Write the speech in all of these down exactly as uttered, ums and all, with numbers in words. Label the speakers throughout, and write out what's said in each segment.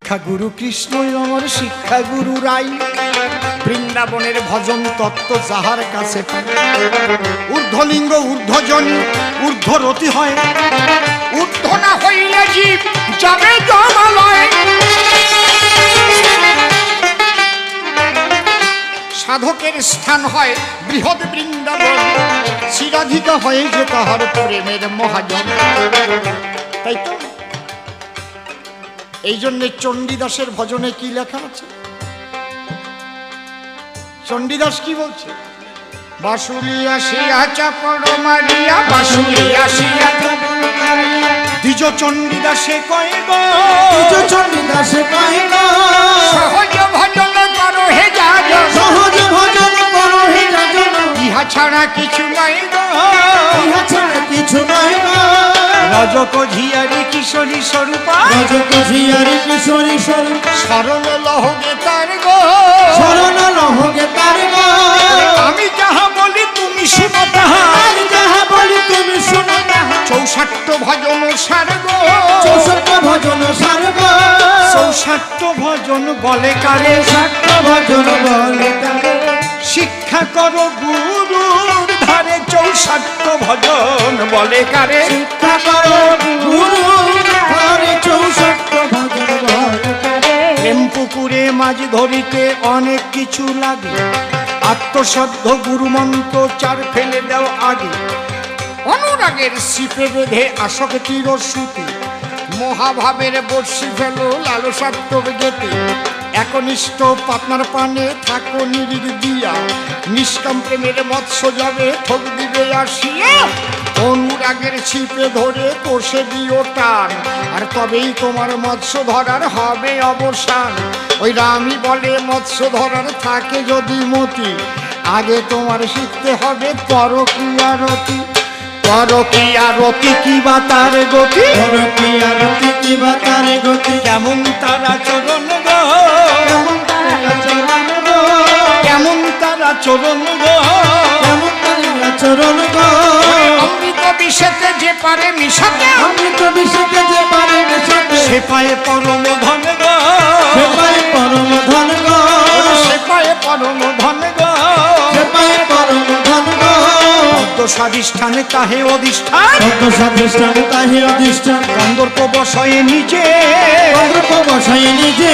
Speaker 1: শিক্ষা গুরু কৃষ্ণই আমার শিক্ষা গুরু রাই, বৃন্দাবনের ভজন তত্ত্ব যাহার কাছে পাই। ঊর্ধ্বলিঙ্গ ঊর্ধ্বজনী ঊর্ধ্বরতি হয়, ঊর্ধ্ব না হইলে জীব যাবে জমালয়। সাধকের স্থান হয় বৃহৎ বৃন্দাবন, শিরাধিকা হয়ে যে তাহার প্রেমের মহাজন। তাই তো এই জন্যে চণ্ডীদাসের ভজনে কি লেখা আছে? চণ্ডীদাস কি বলছে? বাঁশুরি আসিয়া চাপড় মারিয়া, বাঁশুরি আসিয়া দ্বিজ চণ্ডীদাসে কয় গো,
Speaker 2: দ্বিজ চণ্ডীদাসে কয় গো,
Speaker 1: সহজ ভজন করো হে যাজন,
Speaker 2: সহজ ভজন করো হে যাজন,
Speaker 1: ইহা ছাড়া কিছু নাই গো,
Speaker 2: ইহা ছাড়া কিছু নাই গো।
Speaker 1: রজক ঝিয়ারি কিশোরী স্বরূপা,
Speaker 2: রজক ঝিয়ারি কিশোরী স্বরূপ,
Speaker 1: শরণ লহগে তার গো,
Speaker 2: শরণ লহগে তার গো।
Speaker 1: আমি যাহা বলি তুমি শুনো তাহা,
Speaker 2: আমি যাহা বলি তুমি শোনো তাহা।
Speaker 1: চৌষট্ট ভজন সার গো,
Speaker 2: চৌষট্ট ভজন সার গো,
Speaker 1: চৌষট্ট ভজন বলে কারে,
Speaker 2: ষাট ভজন বলে কারে।
Speaker 1: শিক্ষা করো গুরুর ধারে, চৌষট্ট ভজন বলে কারে।
Speaker 2: শিক্ষা করো গুরুর ধারে, চৌষট্ট ভজন বলে কারে।
Speaker 1: প্রেম পুকুরে মাঝ ধরিতে অনেক কিছু লাগে, আত্মশ্রদ্ধ গুরু মন্ত্র চার ফেলে দাও আগে। অনুরাগের শিপে বেঁধে আসক্তির সুতি, মহাভাবের বর্ষি ফেলো লালসাত্মক গেতে। একনিষ্ঠ পাতনার পানে থাকো নিরির দিয়া, নিষ্কাম প্রেমের মৎস্য যাবে ঠক দিবে আসিয়া। অনুরাগের ছিপে ধরে কষে দিও টান, আর তবেই তোমার মৎস্য ধরার হবে অবসান। ওই রামই বলে মৎস্য ধরার থাকে যদি মতি, আগে তোমার শিখতে হবে পরকীয়া রতি। পরকীয়া রতি কি বা তার গতি,
Speaker 2: পরকীয়া রতি কি বা তার গতি।
Speaker 1: কেমন তারা চরণ গো,
Speaker 2: কেমন তারা চরণ গো,
Speaker 1: কেমন তারা চরণ গো,
Speaker 2: কেমন তারা চরণ গো।
Speaker 1: অমৃত বিষেতে যে পারে মিশাতে,
Speaker 2: অমৃত বিষেতে যে পারে মিশাতে,
Speaker 1: সে পায়ে পরম ধন গো,
Speaker 2: সে পায়ে পরম ধন গো,
Speaker 1: সে পায়ে পরম ধন গো।
Speaker 2: সে পায়ে পরম ধন গো।
Speaker 1: পদ্ম স্বাধিষ্ঠানে তাহে অধিষ্ঠান,
Speaker 2: পদ্ম স্বাধিষ্ঠান তাহে অধিষ্ঠান,
Speaker 1: কন্দর্প বসয়ে নিজে,
Speaker 2: কন্দর্প বসায় নিজে।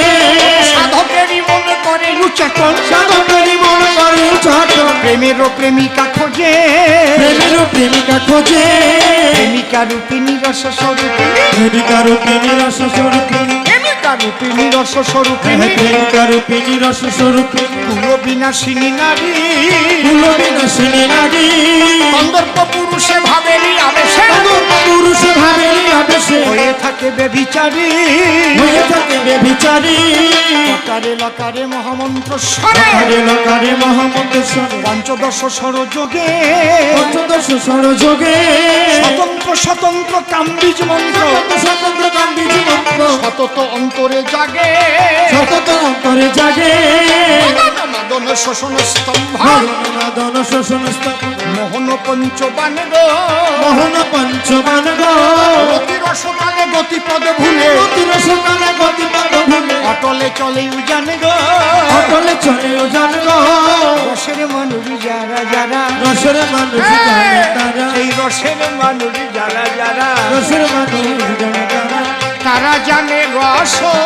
Speaker 1: সাধকেরই মনে করে উচ্চাটন,
Speaker 2: সাধকেরই মন করে উচ্চাটন,
Speaker 1: প্রেমেরও প্রেমিকা খোঁজে,
Speaker 2: প্রেমেরও প্রেমিকা খোঁজে।
Speaker 1: প্রেমিকা রূপিণী রস স্বরূপিণী,
Speaker 2: প্রেমিকা রূপিণী রস স্বরূপিণী,
Speaker 1: প্রেমিকা রূপিণী রস স্বরূপিণী,
Speaker 2: প্রেমিকা রূপিণী রস স্বরূপিণী,
Speaker 1: কুল বিনাশিনী নারী,
Speaker 2: কুল বিনাশিনী নারী।
Speaker 1: কন্দর্প পুরুষে ভাবেরই আবেশে,
Speaker 2: কন্দর্প পুরুষ ভাবেরই আবেশে,
Speaker 1: হয়ে থাকে বেভিচারী,
Speaker 2: হয়ে থাকে বেভিচারী।
Speaker 1: লকারে লকারে মহামন্ত্র স্বরে,
Speaker 2: লকারে লকারে মহামন্ত্র স্বরে,
Speaker 1: পঞ্চদশ স্বরযোগে,
Speaker 2: পঞ্চদশ স্বরযোগে,
Speaker 1: স্বতন্ত্র স্বতন্ত্র কাম্বিজ মন্ত্র,
Speaker 2: স্বতন্ত্র গান্ধীজি মন্ত্র,
Speaker 1: সতত অন্তরে জাগে,
Speaker 2: সতত অন্তরে জাগে।
Speaker 1: মাদন মাদন শোষণ স্তম্ভ,
Speaker 2: মাদন শোষণ স্তম্ভ,
Speaker 1: মোহন পঞ্চবান গো,
Speaker 2: মোহন পঞ্চবান গো।
Speaker 1: রতি রসকালে গতিপদ ভুলে,
Speaker 2: অতি রসকালে গতিপদ ভুলে,
Speaker 1: অটলে চলে উজান গো,
Speaker 2: অটলে চলেও জান গো।
Speaker 1: রসের মানুষ যারা যারা,
Speaker 2: রসের মানুষ জানে তারা,
Speaker 1: এই রসের মানুষ যারা যারা,
Speaker 2: রসের মানুষ জানে তারা,
Speaker 1: তারা জানে রস